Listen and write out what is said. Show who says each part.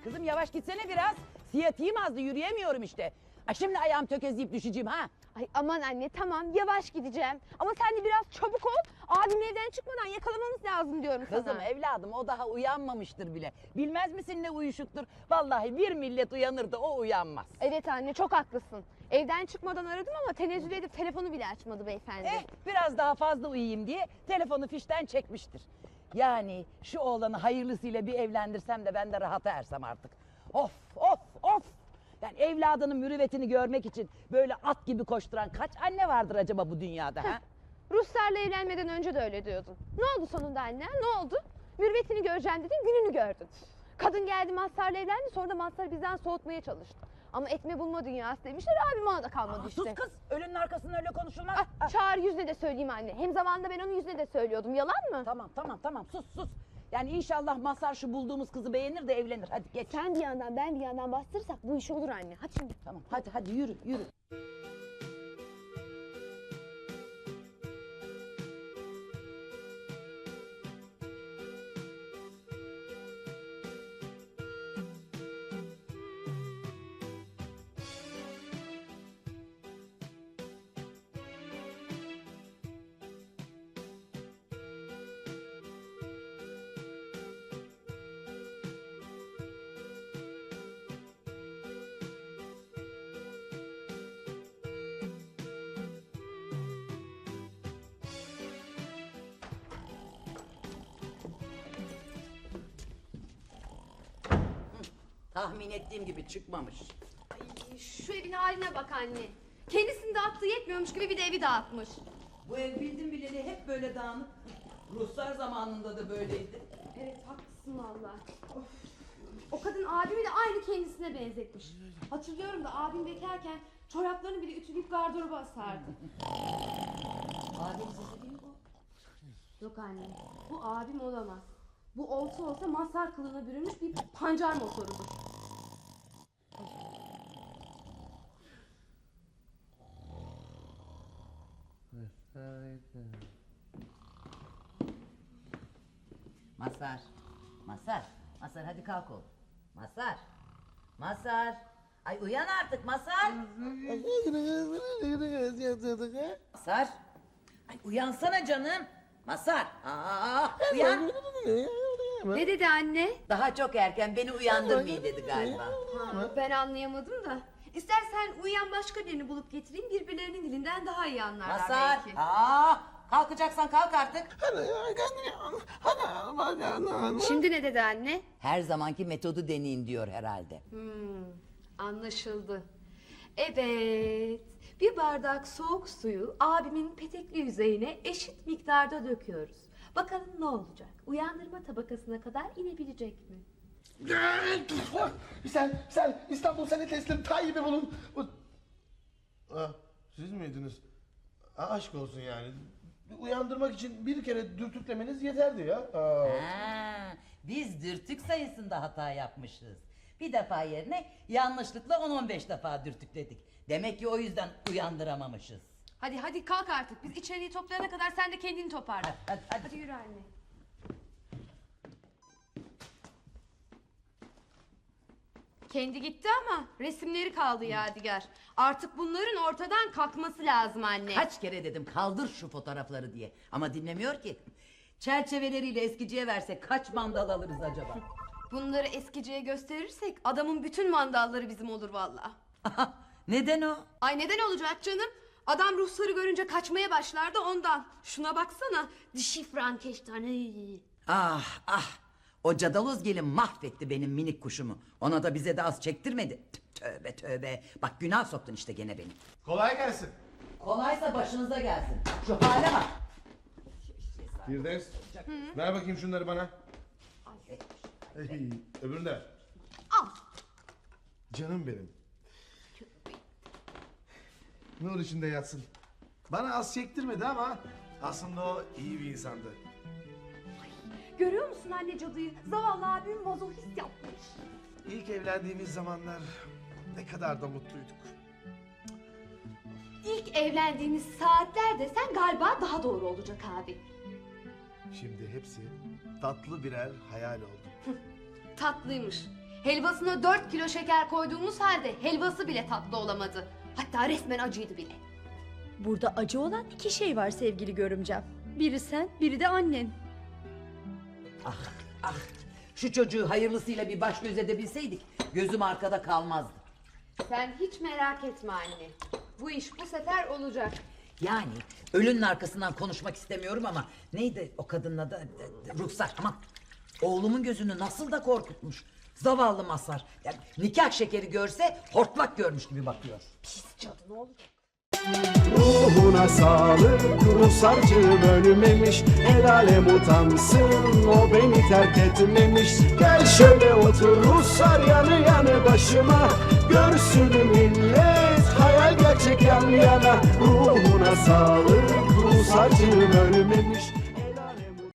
Speaker 1: Kızım yavaş gitsene biraz. Siyatiğim azdı, yürüyemiyorum işte. Ay şimdi ayağım tökezleyip düşeceğim ha.
Speaker 2: Ay aman anne tamam yavaş gideceğim. Ama sen de biraz çabuk ol. Abim evden çıkmadan yakalamamız lazım diyorum
Speaker 1: Kızım
Speaker 2: sana.
Speaker 1: evladım o daha uyanmamıştır bile. Bilmez misin ne uyuşuktur? Vallahi bir millet uyanır da o uyanmaz.
Speaker 2: Evet anne çok haklısın. Evden çıkmadan aradım ama tenezzül edip telefonu bile açmadı beyefendi.
Speaker 1: Biraz daha fazla uyuyayım diye telefonu fişten çekmiştir. Yani şu oğlanı hayırlısıyla bir evlendirsem de ben de rahata ersem artık. Of of of. Yani evladının mürüvvetini görmek için böyle at gibi koşturan kaç anne vardır acaba bu dünyada ha?
Speaker 2: Ruslarla evlenmeden önce de öyle diyordun. Ne oldu sonunda anne? Ne oldu? Mürvetini göreceğim dedin, gününü gördün. Kadın geldi Mazhar'la evlendi, sonra da Mazhar'ı bizden soğutmaya çalıştı. Ama etme bulma dünyası demişler, abim ona da kalmadı işte.
Speaker 1: Sus kız, ölünün arkasından öyle konuşulmaz.
Speaker 2: Çağır yüzüne de söyleyeyim anne. Hem zamanında ben onun yüzüne de söylüyordum, yalan mı?
Speaker 1: Tamam sus. Yani inşallah Mazhar şu bulduğumuz kızı beğenir de evlenir. Hadi geç.
Speaker 2: Sen bir yandan ben bir yandan bastırırsak bu iş olur anne. Hadi şimdi.
Speaker 1: Tamam hadi yürü. Tahmin ettiğim gibi çıkmamış.
Speaker 2: Ay, şu evin haline bak anne. Kendisini dağıttığı yetmiyormuş gibi bir de evi dağıtmış.
Speaker 1: Bu ev bildim bileli hep böyle dağınık. Ruslar zamanında da böyleydi.
Speaker 2: Evet haklısın valla. O kadın abimi de aynı kendisine benzetmiş. Hatırlıyorum da abim bekarken çoraplarını bile ütüleyip gardıroba asardı.
Speaker 1: Adem sesi değil mi bu?
Speaker 2: Yok anne, bu abim olamaz. Bu olsa Mazhar kılığına bürünmüş bir pancar motorudur.
Speaker 1: Mazhar hadi kalk oğlum. Mazhar. Ay uyan artık Mazhar. Mazhar. Ay uyansana canım. Mazhar. Uyan.
Speaker 2: Ne dedi anne?
Speaker 1: Daha çok erken beni uyandırmayın dedi galiba.
Speaker 2: Ben anlayamadım da. İstersen uyuyan başka birini bulup getireyim, birbirlerinin dilinden daha iyi anlarlar
Speaker 1: Mazhar.
Speaker 2: belki.
Speaker 1: Kalkacaksan kalk artık.
Speaker 2: Şimdi ne dedi anne?
Speaker 1: Her zamanki metodu deneyin diyor herhalde.
Speaker 2: Anlaşıldı. Evet, bir bardak soğuk suyu abimin petekli yüzeyine eşit miktarda döküyoruz. Bakalım ne olacak? Uyandırma tabakasına kadar inebilecek mi?
Speaker 3: Sen İstanbul seni teslim Tayyip'i bulun. Siz miydiniz? Aşk olsun yani. Uyandırmak için bir kere dürtüklemeniz yeterdi ya.
Speaker 1: Biz dürtük sayısında hata yapmışız. Bir defa yerine yanlışlıkla 10-15 defa dürtükledik. Demek ki o yüzden uyandıramamışız.
Speaker 2: Hadi kalk artık. Biz içeriği toplayana kadar sen de kendini toparla.
Speaker 1: Hadi.
Speaker 2: Hadi yürü anne. Kendi gitti ama resimleri kaldı yadigar. Artık bunların ortadan kalkması lazım anne.
Speaker 1: Kaç kere dedim kaldır şu fotoğrafları diye. Ama dinlemiyor ki. Çerçeveleriyle eskiciye versek kaç mandal alırız acaba?
Speaker 2: Bunları eskiciye gösterirsek adamın bütün mandalları bizim olur valla.
Speaker 1: Neden o?
Speaker 2: Ay neden olacak canım? Adam ruhsarı görünce kaçmaya başlardı ondan. Şuna baksana, dişi Frankenstein.
Speaker 1: O cadaloz gelin mahvetti benim minik kuşumu. Ona da bize de az çektirmedi. Tövbe. Bak günah soktun işte gene beni.
Speaker 3: Kolay gelsin.
Speaker 1: Kolaysa başınıza gelsin. Şu hale bak.
Speaker 3: Firdevs, ver bakayım şunları bana. Öbürünü de ver.
Speaker 2: Al.
Speaker 3: Canım benim. Nur içinde yatsın. Bana az çektirmedi ama aslında o iyi bir insandı.
Speaker 2: Görüyor musun anne cadıyı? Zavallı abim mazohist yapmış.
Speaker 3: İlk evlendiğimiz zamanlar ne kadar da mutluyduk.
Speaker 2: İlk evlendiğimiz saatler desen galiba daha doğru olacak abi.
Speaker 3: Şimdi hepsi tatlı birer hayal oldu.
Speaker 2: Tatlıymış. Helvasına 4 kilo şeker koyduğumuz halde helvası bile tatlı olamadı. Hatta resmen acıydı bile.
Speaker 4: Burada acı olan iki şey var sevgili görümcem. Biri sen, biri de annen.
Speaker 1: Ah ah, şu çocuğu hayırlısıyla bir baş göz edebilseydik gözüm arkada kalmazdı.
Speaker 2: Sen hiç merak etme anne. Bu iş bu sefer olacak.
Speaker 1: Yani ölünün arkasından konuşmak istemiyorum ama neydi o kadının adı? Ruhsar, aman. Oğlumun gözünü nasıl da korkutmuş. Zavallı Mazhar. Yani nikah şekeri görse hortlak görmüş gibi bakıyor. Pis cadı, ne olacak?
Speaker 5: Ruhuna sağlık, ruhsarcığım ölmemiş. El alem utansın, o beni terk etmemiş. Gel şöyle otur ruhsar yanı yanı başıma. Görsün millet, hayal gerçek yan yana. Ruhuna sağlık, ruhsarcığım ölmemiş.